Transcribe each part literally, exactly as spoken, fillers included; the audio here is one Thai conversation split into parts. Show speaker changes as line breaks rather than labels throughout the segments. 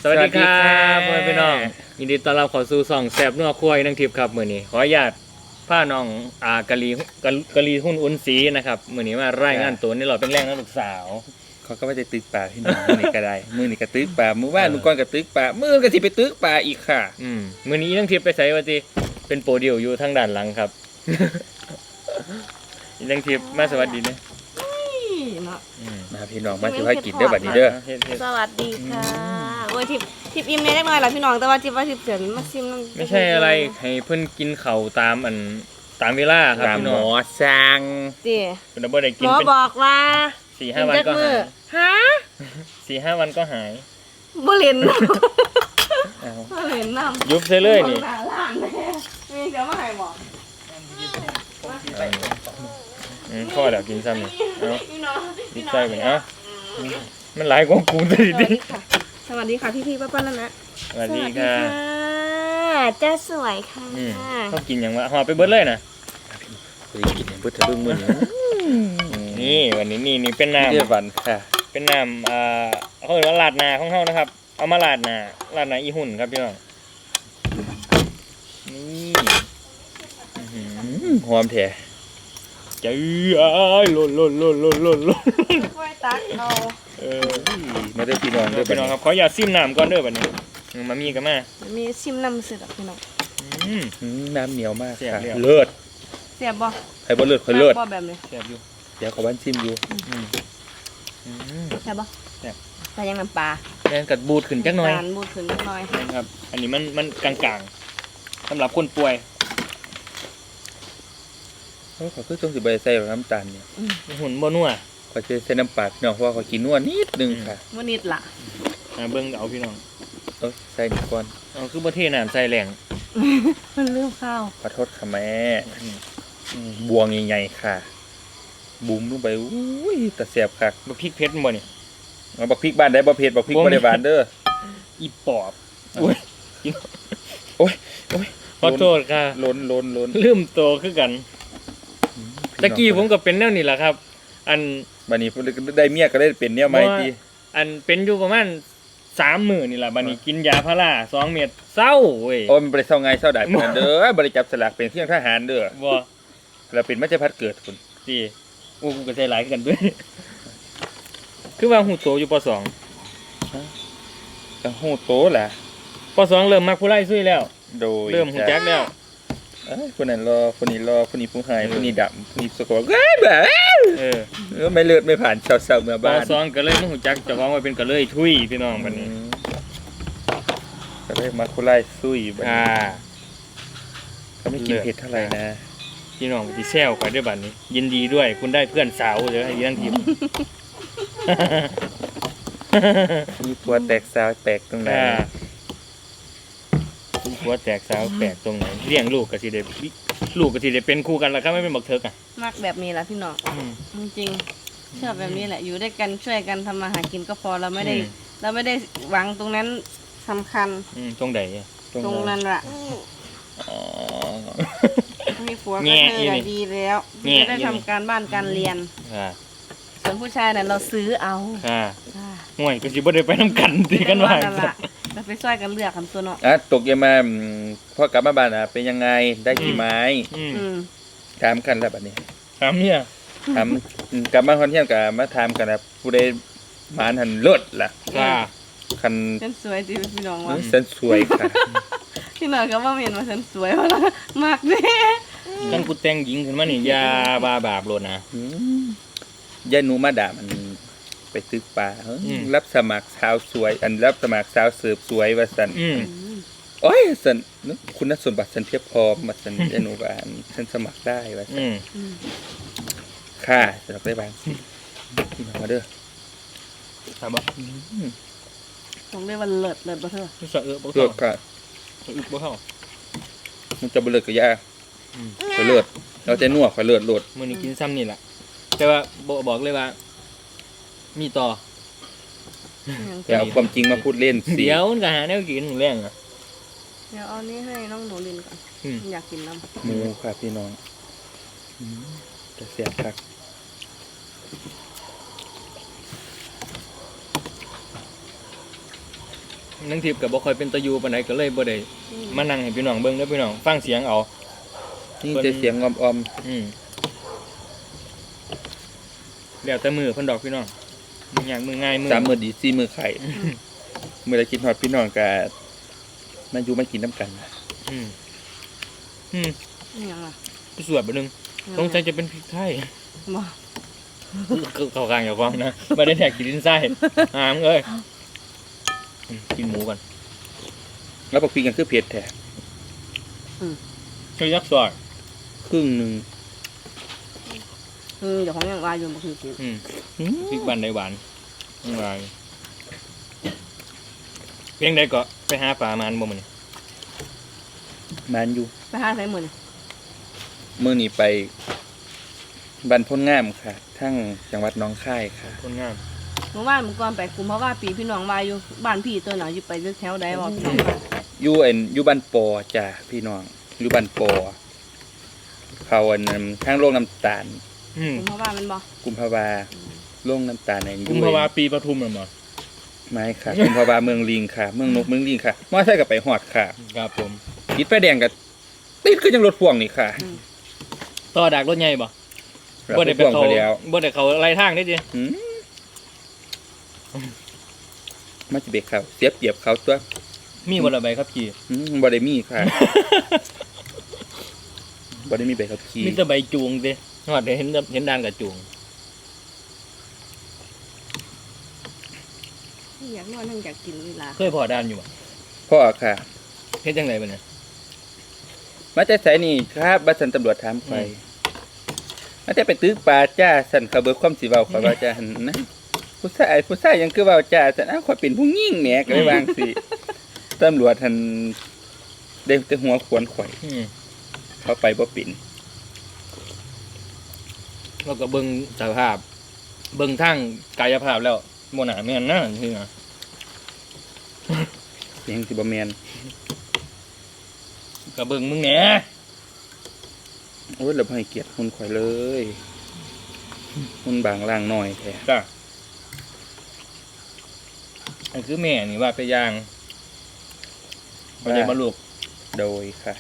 สวัสดีครับพ่อแม่พี่น้องยินดีต้อนรับเข้าสู่ช่องแซ่บนัวครัวอีนังทิพย์ครับมื้อนี้ขออนุญาตพาน้องอากะลีกะกะลีหุ้นอุ่นสีนะครับมื้อนี้มารายงานตัวนี่เราเป็นแรงนักลูกสาว
เขาก็ว่าจะตึกป่าพี่น้องมื้อนี้ก็ได้มื้อนี้ก็ตึกป่ามื้อว่านมื้อก่อนก็ตึกป่ามื้อก็สิไปตึกป่าอีกค่ะ
อืมมื้อนี้อีนังทิพย์ไปไสว่าติเป็นโปรดิวอยู่ทางด้านหลังครับ อีนังทิพย์มาสวัสดีนะ
มาพี่น้องมาสิพากินเด้อบัดนี้เด้อ
สวัสดีค่ะโอ้ยทิพทิพอิ่มเล็กน้อยล่ะพี่น้องแต่ว่าทิพว่าทิพเสียนมาซิม
ไม่ใช่อะไรให้เพิ่นกินข้าวตามอันตามเวลาครับ
ตาม
พี่
หม
น้อง
อสั่ง
ติ
เพิ่นบ่ได้กิ
ห
น
มอ
เป็น
บอกว่า
สี่ห้าวันก็หาย
ฮะ
สี่ห้าวันก็หาย
บ่เล่น
อ้าว
บ่เล่นน้ำ
ยุบใส่เลยนี่
หน้าร้านแม่มีเดี๋ยวมาให้บอก
อืมพ่อแล้วกินซ้ำนี่เอา
พี่น้อง
ดิใส่ไปเอ้ามันหลายกว่ากูเลยดิ
สวัสดีค่ะพี่พี่ป้าป้านั่นนะ
สวัสดีค่ะ
เจ้าสวยค่ะ
อืมเขากินอย่างวะหอบไปเบิดเลยนะ
สิกินให้เพิ่นทะลึ่งมื้อนี้
นี่วันนี้นี่นี่เป็นน้
เด้อวันค่ะ
ำเป็นน้ำอ่าเขาเรียกว่าลาดหนาของเขานะครับ เอามาลาดหนาลาดหนาอีหุ่นครับพี่น้องนี่อื้อหือ
อืมหอมแท้
เจ้ยอ้ายหล่นหล่นหล่นหล่นหล่นหล่น
ค่อยตักเอา
เออ
มาเด้อพี่น้อง
เดี๋
เด้
ย
อ
วพี่น้องครับขออย่าซิมน้ำก่อนเด้อบัดนี้มามีกันมา
มีซิมน้ำสึกพี่น้อง
อืม
อืมน้ำเหนียวมาก
แซ่บ
ค่ะ
แล้ว
เลิศ
เสียบบ่
ใครบ่เลิศค่อยเลิศ
บ่แบบนี้
แซ่บอยู่
เดี๋ยวขอบ้านชิมอยู่
อืมอืม
เสียบบ่
แซ่บ
แต่ยังน้ำปลา
แม่นกัดบูดขึ้นจักหน่อย
การบูดขึ้นนิดหน่อย
นะครับ อันนี้มันมันกลางๆสำหรับคนป่วย
เอ้าขอคือต้องสิบ่ได้ใส่น้ำตาลเนี่ย
หุ่นบ่นัว
ขอจะใส่น้ำปลาพี่น้องเพราะว่าขอกินนัวนิดนึงค่ะ
วันนิดล่ะ
อ่าเบิ่งเอาพี่น้อง
เอ้าใส่นี่ก่อน
เอาคือบ่เทน้ำใส่แรง
มันเรื่องข้าว
ขอโทษค่ะแม่อืมบวงใหญ่ๆค่ะ บุ้มลงไปอุ้ยตะเสียบคัก
บ่พริกเผ็ดบ่นี่
เอาบักพริกบ้านได้บ่เผ็ดบักพริก
บ่
บ่ได้หวานเด้อ
อีปอบอุ้ย
โอ้ยโอ้ย
ขอโทษค่ะ
ล้นล้นล้น
ลืมโตคือกันตะกี้ผมก็เป็นแนวนี้แหละครับ อัน
บัดนี้ได้เมียก็ได้เป็นแนวใหม่ติ
อันเป็นอยู่ประมาณสามมื้อนี่ล่ะบัดนี้กินยาพาราสองเม็ดเศร้าเว้ย
โอ้ยมันบ่ได้เศร้าไงเศร้าดาดปานนั้นเด้อบ่ได้จับสลากเป็นเที่ยงทหารเด้อ
บ่
แล้วเป็นมัจจพัดเกิดพุ่น
สิโอ้กูก็ใจหลายคือกันด้วย คือว่าหูโตอยู่ปสอง
จังฮู้โตแหละ
ปสองเริ่มมักผู้ไล่ซุยแล้ว
โดย
เริ่มหูจักแล้ว
เอ้ยคนนั้นรอคนนี้รอคนนี้ผู้หายคนนี้ดำคนนี้สกปรกเอ้ยแบบ
เออ
เออไม่เลือดไม่ผ่านเศร้าๆเมื่อ
ป
บ้าน
สองก็เลยมาหูจักเจะฟ้าของไว้เป็นก็เลยทุยพี่น้องบัดนี้
อืมก็เลยมาคุไล่ซุยบัด
อ่า
นี้ก็ไม่กินเผ็ดเท่าไหร่นะ
พี่น้องที่แซวข่อยด้วยบัดนี้ ยินดีด้วยคุณได้เพื่อนสาวเด้อให้ยังทีม
มีตัวแตกสาวแตกตรงไหน
อ่าหัวแตกสาวแตกตรงไหนเลี้ยงลูกก็สิได้ลูกก็สิได้เป็นคู่กันล่ะครับไม่เป็นบักเถิกอ่ะ
มากแบบนี้แหละพี่น้องจริงๆชอบแบบนี้แหละอยู่ด้วยกันช่วยกันทำมาหากินก็พอเราไม่ได้ เราไม่ได้หวังตรงนั้นสำคัญ
อืมตรงใดอะ
ตรงนั้นละ
อ๋อ
มีผัว
แง่
ก็เธ
อี
อ
นี่
ดีแล้ว
แง่
จะได้ทำการบ้านการเรียน
ค่ะ
ส่วนผู้ชายน่ะเราซื้อเอา
ค่ะ
ค่ะ
ห่วยก็สิบ่ได้ไปนํกันติกันว่า
นั่นละเราไปช่วยกันเลือกคำตัวเนาะ
อ่ะตกเย็นมาอืมพอกลับมาบ้านอ่ะเป็นยังไงได้กี่ไม้
อืม
อืม
ถามกันแล้วบัดนี้
ถามเนี่ย
ถามอืมกลับมาคอนเที่ยงกับมาถามกันนะผู้ใดหมานหันเลิศล่ะ
ค่ะ
คัน
ฉันสวยจีพี่น้องวะ
ฉันสวยค่ะ
พี่น้องก็ว่าเห็นว่าฉันสวยวะล่ะมากเด้
กันกูแต่งหญิงขึ้นมานี่อย่าบาบาปโลดนะ
อืมยายหนูมาด่ามันไปตึกป่าเฮ้ย
อืม
รับสมัครสาวสวย อันรับสมัครสาวเสิร์ฟสวยว่าสัน
อืม
โอ้ยสันนึกคุณสมบัติฉันเทียบพร้อมมาสันยายหนูบ้านฉันสมัครได้ว่าสัน
อืม
อืม
ค่ะสำหรับได้บ้างพี่มาเด้อ
ถามบ่
อืม
ต้องเรียกว่าเลิศเลิศบ่เธอ
สะเออบ่
เลิ
เข้าก
ค่ะ
สะอึกบ่เข้า
มันจะบ่เลิกกับยา
อืม
ข่อยเลิศเราจะนัวข่อยเลิศโลด
มื้อนี้กินซ้ำนี่ล่ะแต่ว่าบ่บอกเลยว่า มีต่อ
อย่าเอาความจริงมาพูดเล่นสิ
เดี๋ยวมันก็หาแนวกินหมูแรงอ่ะ
เดี๋ยวเอานี้ให้น้องหนูลินก่อน
อืม
อยากกินน้ำ
หมูค่ะพี่น้องอืมจะเสียบคัก
นังทิพย์ก็บ่ค่อยเป็นตะยูปานใดก็เลยบ่ได้
อืม
มานั่งให้พี่น้องเบิ่งเด้อพี่น้องฟังเสียงเอา
นี่จะเสียงออม
อืมแล้วแต่มือเพิ่นดอกพี่น้องมือหยังมือง่ายมือ
ๆสามมือดีสี่มือไข่เมื่อไรคิดฮอดพี่น้องก็มาอยู่มากินน้ำกัน
อืมอืม
อหยังล่ะ
ไปสวดบ่นึงสงสัยจะเป็นพริกไทย
บ่
เข้ากลางอย่าฟังนะบ่ได้แทกกินดินไส้หามเอ้ยอืมกินหมูก่อน
แล้วปักพริกกันคือเผ็ดแท้
ช่วยยักษ์ซอย
ครึ่งหนึ่ง
อืมเดี๋ยวของยังว่าอยู่บ่คือกิน
อืม
อืม
พริกบ้านใดหวานหวานเพียงใดก็ไปหาปลามันบ่มื้อนี้
มันอยู่
ไปหาไสมื้อนี่
เมื่อนี้ไปบันพ้นงามค่ะ ทั้งจังหวัดหน้องคายค่ะ
คนงาม
เมื่อวานเมื่อก่อนไปกุมภาวะปีพี่น้องว่าอยู่บ้านพี่ตัวหน่อยอยู่ไปแถวใดบ่พี่น้องว่า
อยู่เอ็นอยู่บ้านปอจ้ะพี่น้องอยู่บ้านปอเขาอันนั้นทางโรงน้ำตาล
อืม
กุมภาวะมันบ่
กุมภาวาโรงน้ำตาลใน
กุมภาวาปีปทุมเหรอ
ไม่ค่ะ กุมภาวาเมืองลิงค่ะ เมืองนกเมืองลิงค่ะมอไซค์กับไปหอดค่ะ
ครับผม
ติดไฟแดงกับติดก็ยังรถพ่วงนี่ค่ะ
ต่อดักรถใหญ่บ่
รับ
บ่ได้
รถ
ไป
พ่วง
เขา
ไปแล้ว
บ่ได้เขาไล่ทางได้ดิ
หืมมาจะเบรกเขาเสียเปรียบเขาตัว
มีบ่ละใบครับขี่
อืมบ่ได้มีค่ะ บ่ได้มีใบขับขี่
มีแต่ใบจูงดิฮอดเห็นเห็นด่านกับจูง
อยากนอนทั้งอยากกินเวลา
เคยพอด่านอยู่บ่
พ่อค่ะ
เฮ็ดจังไดบัดนี้
มาแต่ไสนี่ครับบัดสันตำรวจถามไป
อืม
มาแต่ไปตึกปลาจ้าสันเขาเบิกความสิเว้าข่อยว่าจ้าหั่นนะผู้ชายผู้ชายยังคือเว้าจ้าสันอ้าวข่อยเป็นผู้หญิงแหมก็เลยวาจั่งสิตำรวจหั่นได้แต่หัวขวนข่อย
อืม
เขาไปบ่เป็น
แล้วก็เบิ่งสภาพ เบิ่งทางกายภาพแล้วบ่น่าแม่นนะคืออะ
เสียงสิบ่แม่น
ก็เบิ่งมึงแหน่
โอ้ยเราบ่ให้เกียรติหุ่นข่อยเลยหุ่นบางล่างน้อยแท้
จ้ะอันคือแม่นี่ว่าไปย่างบ่ได้บ่ลูก
โดยค่ะ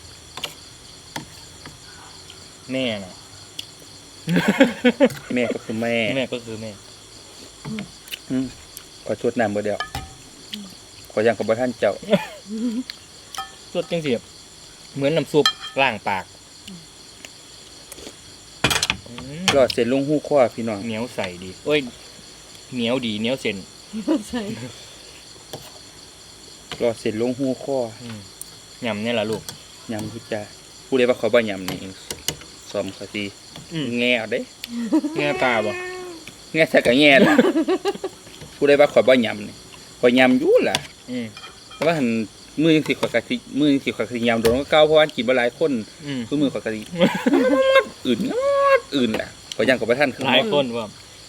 แม่น่ะ
แม่ก็คือแม่
แม่ก็คือแม่
อืมขอโทษน้ำบ่เดียวขอยังกับบ่ท่านเจ้า
สดจังสิเหมือนน้ำซุปล้างปากอืม
รอดเส้นลงหู้ข้อพี่น้อง
เหนียวใสดีเอ้ยเหนียวดีเหนียวเส้น
ใช่
รอดเส้นลงหู้ข้อ
อืมยำเนี่ยล่ะลูก
ยำพุจ้าผู้ใดว่าเขาบ่ยำนี่ซ้อมเขาสิ
อืม
แง่เอาเด้
แง่ตาบ่
แง่ใส่ก็แง่ล่ะ ผู้ใดว่าข่อยบ่ยำนี่ข่อยยำอยู่ล่ะ
อืม
แต่ว่าหั่นมือจังสิข่อยก็สิมือจังสิข่อยก็สิยำโดนก็เก่าเพราะว่ากินบ่หลายคน
อืม
คือมือข่อยก็สิ อื่นงอดอื่นล่ะข่อยยังกับบ่ท่านคือ
หลายคนว่า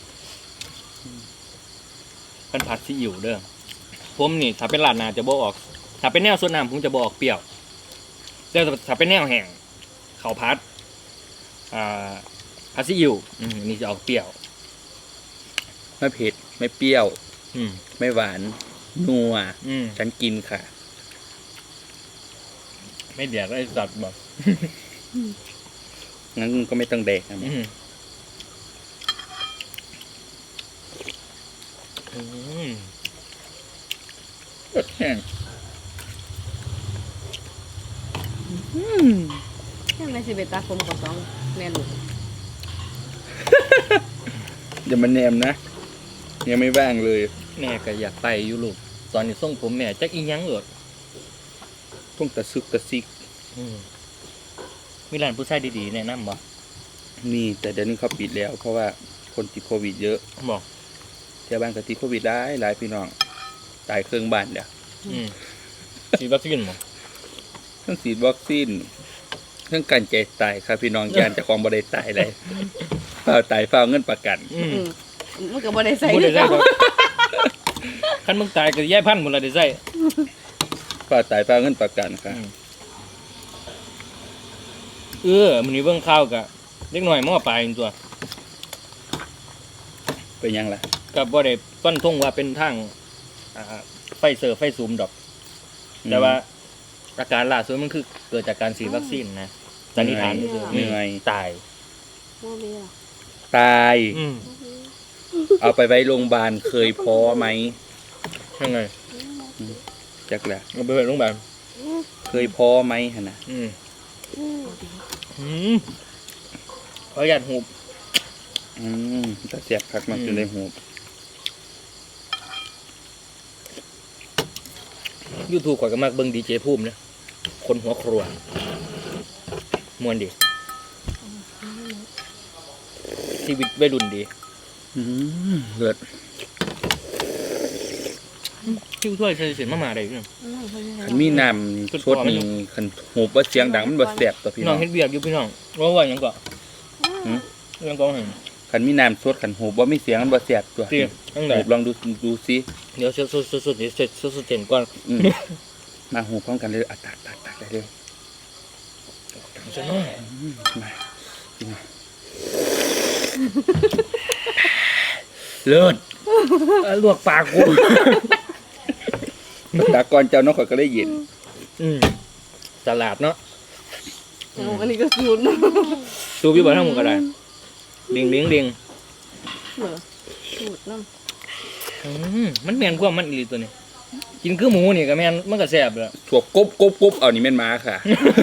เป็นผัดซีอิ๊วเด้อผมนี่ถ้าเป็นร้านนาจะบ่ออก ถ้าเป็นแนวสดน้ำผมจะบ่ออกเปรี้ยวแต่ถ้าเป็นแนวแห้งข้าวผัดอ่าผัดซีอิ๊วอืมอันนี่จะออกเปรี้ยว
ไม่เผ็ดไม่เปรี้ยว
อืม
ไม่หวาน นัว
อืม
ฉันกินค่ะ
ไม่เดียดไอ้สัตว์บ่
งั้นก็ไม่ต้องแดกนะ
อืมอืม
รสแห้ง
ยังไม่สิไปตัดผมกับสองแม่ลูก
อย่ามาแนมนะ ยังไม่ว่างเลย
แม่ก็อยากไปอยู่ลูกตอนนี้ส่งผมแม่จักอีหยังเอิด
ต้องตะซึกตะซิก
อืมมีร้านผู้ชายดีๆแนะนำบ่
นี่แต่เดี๋ยวนี้เขาปิดแล้ว เพราะว่าคนติดโควิดเยอะ
บอก
แถวบ้านก็ติดโควิดหลายหลายพี่น้อง ตายเครื่องบ้านเดี๋ยว
อืมฉีดวัคซีนบ่
ทั้งฉีดวัคซีนทั้งการใจตายครับพี่น้องยานเจะของบ่ได้ตายเลยเฝ้าตายเฝ้าเงินประกัน
อืม
อืมมันก็บ่ได้ใส่
บ่ได้
คือ
ใส่
เก่า
ดอกคันมึงตายก็ย้ายพันธุ์หมดละได้ใส่
เฝ้าตายเฝ้าเงินประกันค่ะ
อืมเออมื้อนี้เบิ่งข่าวกะเด็กน้อยมอปลายนี่ตัว
เป็นยังล่ะ
ก็บ่ได้ฟันธงว่าเป็นทางอ่าไฟเซอร์ไฟซูมดอก แต่ว่าอาการล่าสุดมันคือเกิดจากการฉีดวัคซีนนะสันนิษฐานนี่คือ
เหนื่อย
ตาย
ว่ามีหรอ
ตาย
อืม
เอาไปไว้โรงพยาบาลเคยพอไหม
ยังไง
จักแหละ
เอาไปไว้โรงพยาบาล
เคยพอไหมหั่นน่ะ
อืมอืมขออนุญาตหูบ
อืมแต่เสียบคักมันจนได้หูบ
ยูทูบข่อยก็มากเบิ่งดีเจภูมินะคนหัวครัวมวนดีชีวิตวัยรุ่นดี
อืมเลิศ
คิ้วถ้วยใส่เสียงมามาได้พี่น้อง
คันมีน้ำสดนี่คันหูบว่าเสียงดังมันบ่แซ่บต่อพี่
น้
น้
อ
อง ง
เฮ็ดเบียกอยู่พี่น้องว่าว่าหยังก่อน
หืม
ยังก่อนเห็น
คันมีน้ำสดคันหูบว่ามีเสียงมันบ่แซ่บตัว
ตีตั้งแต่
หูบลองดูดูซิ
เดี๋ยวสุดสุดสุดสุดสุดสุดสุดเห็นก่อน
อืมมาหูพร้อมกันเลยอ่ะตักตักตักได้เร็ว
จะน้อย
อืมมากินหน่อยเลิศ
เอ้ยลวกปากกู
ตากรเจ้าน้องข่อยก็ได้ยิน
อืมตลาดเนาะ
โอ้อันนี้ก็สูตรนะ
ตูพี่บอกทั้งหมดก็ได้ดิงดิงดิง
เหรอสูตรน้
อืมมันแม่นกว่ามันอีหลีตัวนี้ กินคือหมูนี่ก็แม่นมันก็แซ่บแล้ว
ถั่วกบกบกบเอานี่แม่นมาค่ะ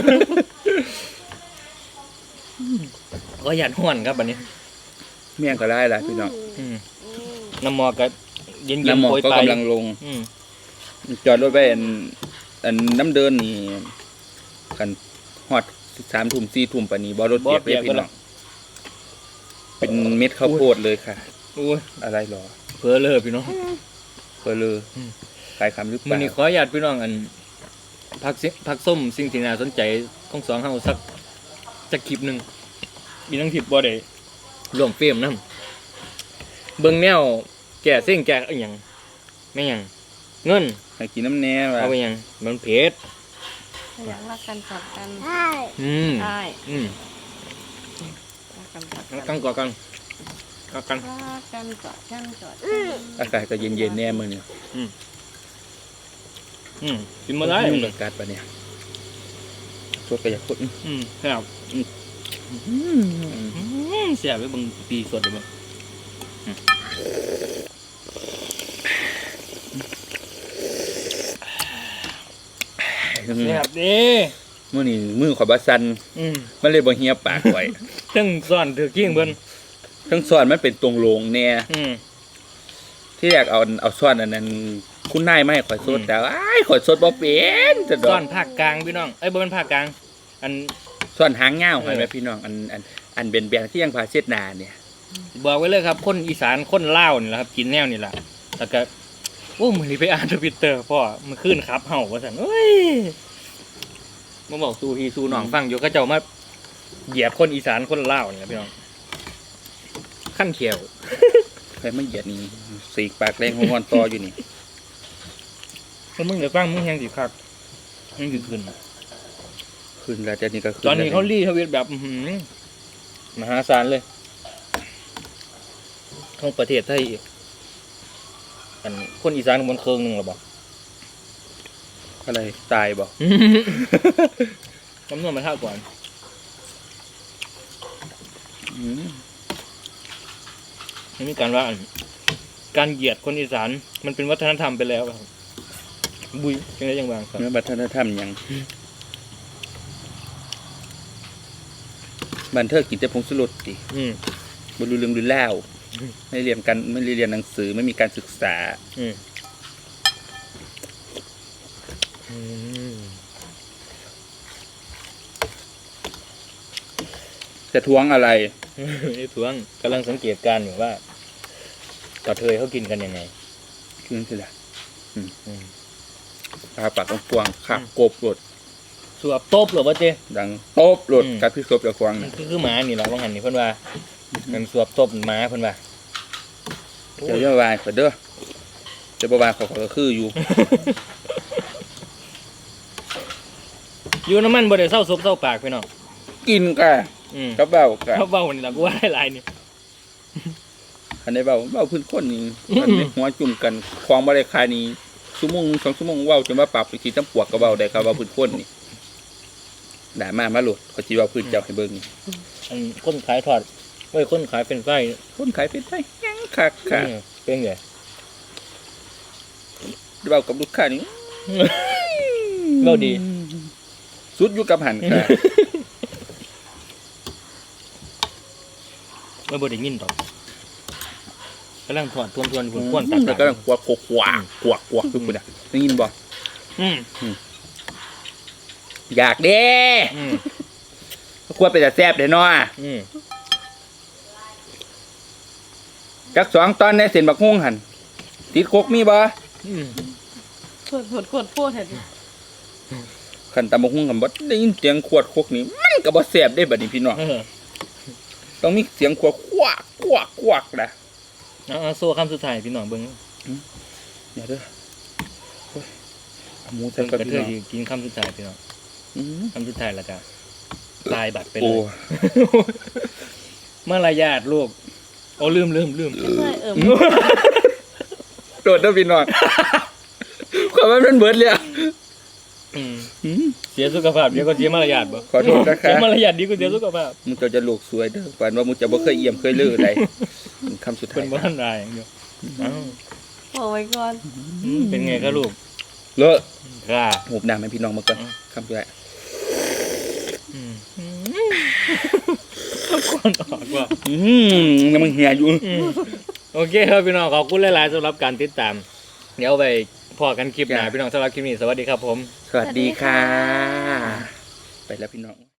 ก็หยาดห้อนครับบัดนี้
เมี่ยงก็ได้ละพี่น้อง
อืมน้ำหมอกก็เย็นเย็น
น้ำหมอก
โปรย
ก็
ไป
กำลังลง
อืม
จอดรถไว้อันอันน้ำเดินนี่กันฮอดสามทุ่มสี่ทุ่มปานนี้บ่รถเปียกเลยพี่น้องเป็นเม็ดข้าวโพดเลยค่ะ
โอ้ย
อะไรหรอ
เพื่อเลิกพี่น้อง
เพอเลย
อืม
ขายคำหรือเป
มัน
ล่า
นี่ขออนุญาตพี่น้องอันพักสิพักส้มสิ่งที่น่าสนใจของสองเฮาสักสักคลิปหนึ่งมีทั้งคลิปบ่ได้ร่วมเฟรมนำเบิ่งแนวแก่เส้นแก่อีหยังแม่หยังเงิน
ให้กินน้ำแน่ว่ะ
เอาไปหยังมันเพชร
ำอยากรักกันกอดกัน
อืม
ใช่
อืม
รักกันกอด
แล้ว
กั
กัน นก่อกันก่อกัน
รักกันกอดกันกอด
อากาศก็เย็นๆแน่มื้อนี้
อืมกินมาได้
ยุ่งกับอากาศปะเนี่ยสดก็อยากสด
อืมแซ่บ
อืม
อืมแซ่บไปเบิ่งปีสดเลยมั้ง แซ่บเด้
มื้อนี้มือข่อยบ่สั่น
อืม
มันเลยบ่เหียปากข่อย
ทั้งซ่อนถือกิ้งเบิ่น
ทั้งซ้อนมันเป็นตรงโลงแน่
อืม
ที่แรกเอาเอาซ้อนอันนั้นคุณนายมาให้ข่อยสด
อืม
แต่อ้ายข่อยสดบ่เป็นจะดอ
ซ่อก นภาคกลางพี่น้องเอ้ยบ่เป็นภาคกลาง อัน
ซ้อนหางยาว
เออ
เห็นไหมพี่น้องอันอันอันเป็นแบนที่ยังพาเช็ดหนาเนี่ย
บอกไว้เลยครับ คนอีสานคนลาวนี่แหละครับ กินแนวนี่แหละแล้วก็โอ้มื้อนี้ไปอ่านทวิตเตอร์พ่อมันขึ้นครับเฮาว่าซั่นเอ้ยมาบอกสู่พี่สู่น้องฟังอยู่ก็เจ้ามาเหยียบคนอีสานคนลาวนี่ล่ะพี่น้องขั้นเขียว
ใครไม่เหยียดนี่สีกปากแรงหัวงอนต่ออยู่นี่
ถ้ามึงเดี๋ยวฟังมึงแฮงสิคักมึงสิขึ้น
ขึ้นแล้วแต่นี่ก็ขึ้น
ตอนนี้
แล้ว
เขารีทวิตแบบอื้อหือมหาศาลเลยของประเทศไทยอีกอันคนอีสานมันเคิงหนึงหรอบ่
อะไรตายบ่
จำนวนมาเท่าก่อน
อืม
มันมีการว่าอันการเหยียดคนอีสานมันเป็นวัฒนธรรมไปแล้วครับบุยจังได้ยังบางครับ
เมื่อบัฒนธรรมหยังบันเทิงกินแต่ผงสุรสติ
อืม
บ่รู้เรื่องรู้เล่าวไม่เรียนกันไม่เรียนหนังสือไม่มีการศึกษา
อืมอืม
จะทวงอะไร
ไอ้ทวงกำลังสังเกตการณ์อยู่ว่ากระเทยเขากินกันยังไง
ขึ้นสิล่ะ
อืม
ตาปากกว้างๆขับกบรถ
สวบตบหรือว่าเจ
ดังโต๊บรถ
อืม
กับพี่ครบจะควาง
มัน
นะ
คือคือหมานี่แหละว่าหันนี่เพิ่นว่ามันสวบตบหมาเพิ่นว่า
เดี๋ยวจะวายขอเด้อจะบวายขอขอก็คืออยู่
อยู่น้ำมันบ่ได้เศร้าซบเศร้าปากพี่น้อง
กินกะ
อืม
กับเบ้ากะ
เขาเบานี่ล่ะกูว่าหลายๆนี่
อันนี้เบ้าเบ้าพื้นคนนี่อันนี้หัวจุ่มกันควางบ่ได้คายนี่ชั่วโมงสองชั่วโมงเว้าจนว่าปรับไปขี้ตำปวกก็เว้าได้ครับว่าพื้นคนนี่ด่ามามาโหลดขอสิเว้าพื้นเจ้าให้เบิ่งนี่
อันคนขายทอดเว้ยคนขายเป็นไส้
คนขายเป็นไปยังคักค่ะ
อืมเป็นไง
เว้ากับลูกค้านี่
เว้าดี
สุดอยู่กับหันค่ะ
ไม่บ่ได้ยินดอกกำลังถอดทวนทวนๆควนๆตัด
แล้วก็กวักกวักกวักกวักกวักคือคุณอ่ะได้ยินบ่
อืม
อยากเด้
อืม
ควรไปแต่แซ่บเด้เนาะ
อืม
จักสองตอนในเส้นบักฮุ้งหันติดโคกมีบ่
อืม
ขวดขวดขวดพูดเถอะ
ขันตำบักฮุ้งกันบ่ได้ยินเสียงขวดโคกนี่มันก็บ่แซ่บได้บัดนี้พี่น้อง
เออ
ต้องมีเสียงขวดควักควักควักนะ
เอาเอาโซ่คำสุดท้ายพี่น้องเบิ่ง
เดี๋ยวเด้อโอ้ยเอาหมูใส่
เพิ่น
กับ
กระ
พี่
เท
น้
ย
อง
สิกินคำสุดท้ายพี่น้อง
อืม
คำสุดท้ายแล้วก็ตายบัตรไปเล
โอ้
ยมารยาทลูกโอ้ลืมลืมลืม
ใช่เอิม
โดดเด้อพี่น้องความว่ามันเบิดเลยอะ
อืม
อืม
เสียสุขภาพเดี๋ยวก็เสียมารยาทบ่
ขอโทษนะคะ
เสียมารยาทดีกว่าเสียสุขภาพ
มึงจะจะโลกสวยเด้อฝันว่ามึงจะบ่เคยเอี่ยมเคยลืออะไรคำสุดท้า
เพิ่
ย
นบ่ทันได้อย่างเดียวอ้าว
บอกไว้ก่อน
อืมเป็นไงครับลูก
เลอะ
ค่ะ
หูบน้ำให้พี่น้องมาก่อน
อืม
คำสุดท้าย
อืมก่อนออกว่า
อืมยังมึงเหียอยู่
อืมโอเคครับพี่น้องขอบคุณหลายๆสำหรับการติดตาม เดี๋ยวไปพอกันคลิปหน้าพี่น้องสำหรับคลิปนี้สวัสดีครับผม
สวัสดีค่ะ ไปแล้วพี่น้อง